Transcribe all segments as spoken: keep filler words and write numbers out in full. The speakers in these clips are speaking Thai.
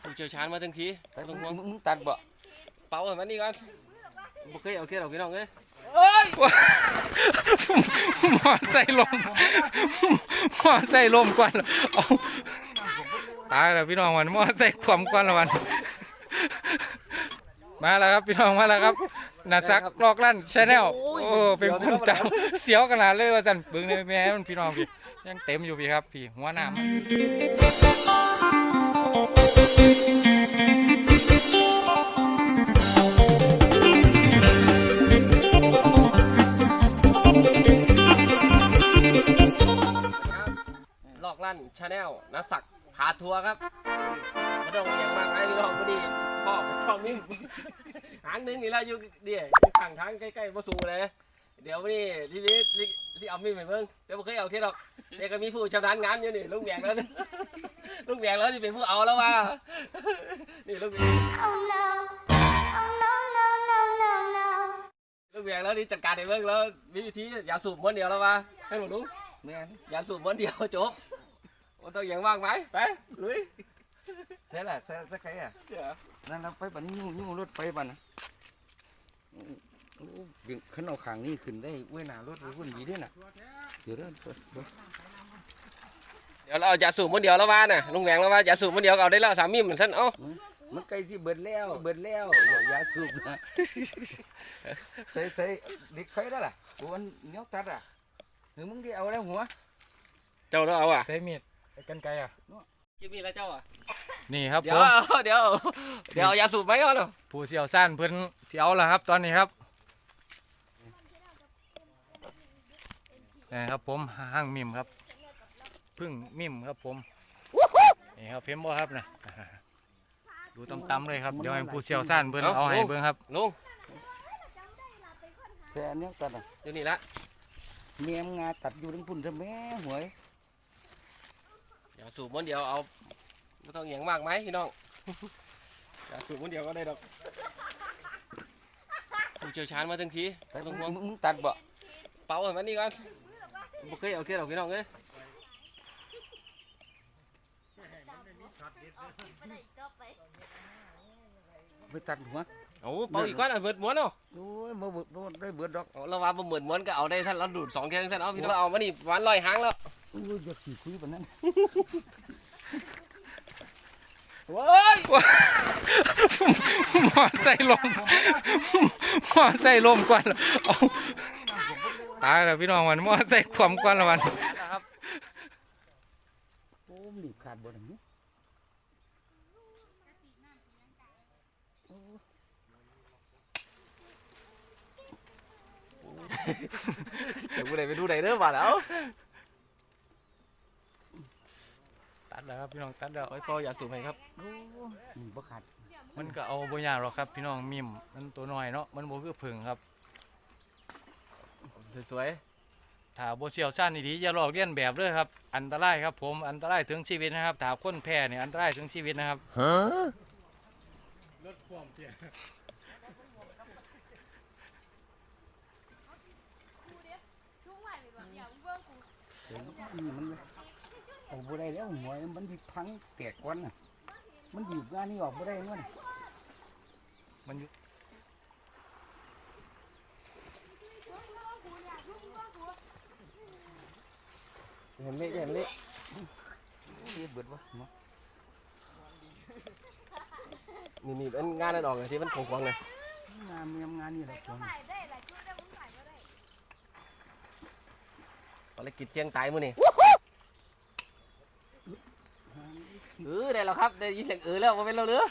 ผู้เชี่ยวชาญมาทั้งทีไปมึงตัดบ่เป่าให้มันนี่ก่อนบ่เคยเอาเคสเอาพี่น้องเอ้ยหมอใส่ลมหมอใส่ลมก่อนเอาตายแล้วพี่น้องวันหมอใส่ความก่อนละวันมาแล้วครับพี่น้องมาแล้วครับนาซักลอกลั่นชาแนลโอ้เป็นคนจำเสียวขนาดเลยว่าสันบึงในแม่มันพี่น้องพี่ยังเต็มอยู่พี่ครับพี่หัวหน้ามันลอกลั่นชาแนลนักสักพาทัวร์ครับไม่ต้องอย่างมากไอ้พี่น้องพอดีพ่อพ่อมิ่งหางนึงนี่ละอยู่เดี๋ยวข้างทางใกล้ๆบ่สูเลยเดี๋ยวนี่ทีนี้ที่เอามิ่งไปเบิ่งเดี๋ยวบ่เคยเอาเทียดอกเดี๋ยวก็มีผู้ชำนาญงานอยู่นี่ลุงแหวงแล้วลุงแหวงแล้วที่เป็นผู้เอาแล้วว่านี่ลุงลุงแหวงแล้วนี่จัดการให้เบิ่งแล้วมีวิธีอย่าสูบม้วนเดียวแล้วว่าให้หมดลุงแม่อย่าสูบม้วนเดียวจบมันต้องอย่างว่างไหมไปลุยใช่ละใช่ใช่ใครอ่ะนั่นเราไปบัดนี้ยุ่งยุ่งรถไปบัดนะขึ้นเอาขางนี่ขึ้นได้เว้ยหนารถรถคนดีด้วยน่ะเดี๋ยวเดี๋ยวเดี๋ยวเราอย่าสูบม้วนเดียวแล้วว่าน่ะลุงแหวงแล้วว่าอย่าสูบม้วนเดียวเอาได้แล้วสามีเหมือนฉันเอ้ามันใกล้ที่เบิดแล้วเบิดแล้วอย่าสูบนะใส่ใส่ดิกไฟได้ล่ะวันเนี้ยตัดอ่ะหรือมึงที่เอาแล้วหัวเจ้าเราเอาอ่ะใส่มีดกันไกอ่ะกินมีดแล้วเจ้าอ่ะนี่ครับเดี๋ยวเดี๋ยวเดี๋ยวอย่าสูบไหมก่อนเลยผู้เสี่ยวสั้นเพิ่นเสียวแล้วครับตอนนี้ครับนี่ครับผมห้างมิมครับพึ่งมิมครับผมนี่ครับเพิ่มบ่ครับนะดูตำๆเลยครับเดี๋ยวให้ผู้เสี่ยวสั้นเพิ่นเอาให้เบิ่งครับลุงแต่อันนี้ตัดอ่ะอยู่นี่ละเมียมงาตัดอยู่ทั้งพุ่นทั้งแม่หวยอย่าสูบม้วนเดียวเอาไม่ต้องอย่างมากไหมพี่น้องอย่าสูบม้วนเดียวก็ได้ดอกผู้เชี่ยวชาญมาทั้งทีมึงตัดบ่เป่าให้มันนี่ก่อนบ่เคยเอาเคสเอาพี่น้องเอ้ยไปตัดหัวโอ้เป่าอีกก้อนอ่ะเบิดม้วนเนาะโอ้ยมาเบิดได้เบิดดอกเราว่าบ่เหมือนม้วนก็เอาได้ท่านเราดูดสองแค่ท่านเอาพี่น้องเอามานี่วันลอยหางแล้วโอ้ยอยากขี่คุยแบบนั้นว้ายหมอใส่ลมหมอใส่ลมก่อนเอาตายแล้วพี่น้องวันหมอใส่ความก่อนละวันโอ้มีขาดบ่ได้นี่จะกูได้ไปดูไหนเด้อมาแล้วตัดแล้วครับพี่น้องตัดแล้วไอ้พ่ออย่าสูบให้ครับบ่ขาดมันก็เอาบ่ยากหรอกครับพี่น้องมิมมันตัวน้อยเนาะมันบ่คือผึ่งครับสวยๆถ้าบ่เชี่ยวชาญดีๆอย่าลอกเลียนแบบเด้อครับอันตรายครับผมอันตรายถึงชีวิตนะครับถ้าคนแพ้เนี่ยอันตรายถึงชีวิตนะครับฮะรถความเพียมันออกบ่ได้แล้วหัวมันดิพังแตกก้อนน่ะมันอยู่งานนี้ออกบ่ได้เงินมันอยู่เห็นเละเห็นเละเบิดวะนี่นี่เป็นงานนั่นออกเลยที่มันของๆเลยงานมีงานนี่แหละภารกิจเสี่ยงตายมื้อนี่เออได้แล้วครับได้ยินเสียงเออแล้วมาเป็นเราเรือ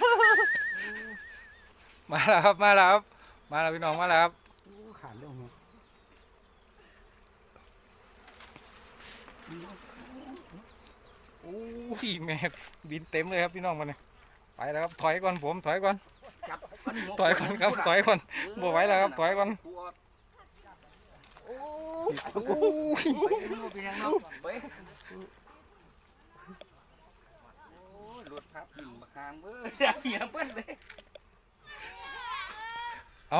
มาแล้วครับมาแล้วครับมาแล้วพี่น้องมาแล้วครับขาดเรื่องโอ้ยแม่บินเต็มเลยครับพี่น้องมันเนี่ยไปแล้วครับถอยก่อนผมถอยก่อนถอยก่อนครับถอยก่อนบ่ไหวแล้วครับถอยก่อนโอ้ยรถทับหินมาคางเบ้อเหี้ยเปิ้ลเลยเอา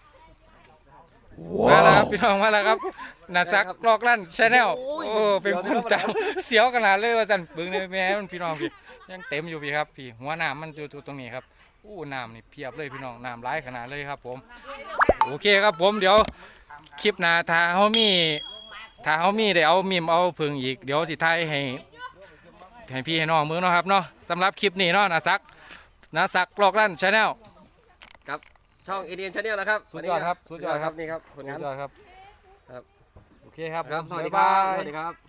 มาแล้วครับพี่น้องมาแล้วครับนาซักลอกลั่นชาแนลโอ้เป็นคนจำเสียวขนาดเลยว่าสันบึงในแม่มันพี่น้องพี่ยังเต็มอยู่พี่ครับพี่หัวน้ำมันอยู่ตรงนี้ครับอู้น้ำนี่เพียบเลยพี่น้องน้ำไหลขนาดเลยครับผมโอเคครับผมเดี๋ยวคลิปหน้าถ้าเฮามีถ้าเฮามีได้เอามิมเอาผึ่งอีกเดี๋ยวสิถ่ายให้ให้พี่ให้น้องมือเนาะครับเนาะสำหรับคลิปนี้เนาะนะซักนะซักลอกลั่นชาแนลช่องเอเดียนชาแนลนะครับสุดยอดครับสุดยอดครับนี่ครับผลสุงานดยอดครับครับโอเคครับครับผมสวัสดีบ๊ายครับบายสวัสดีครับ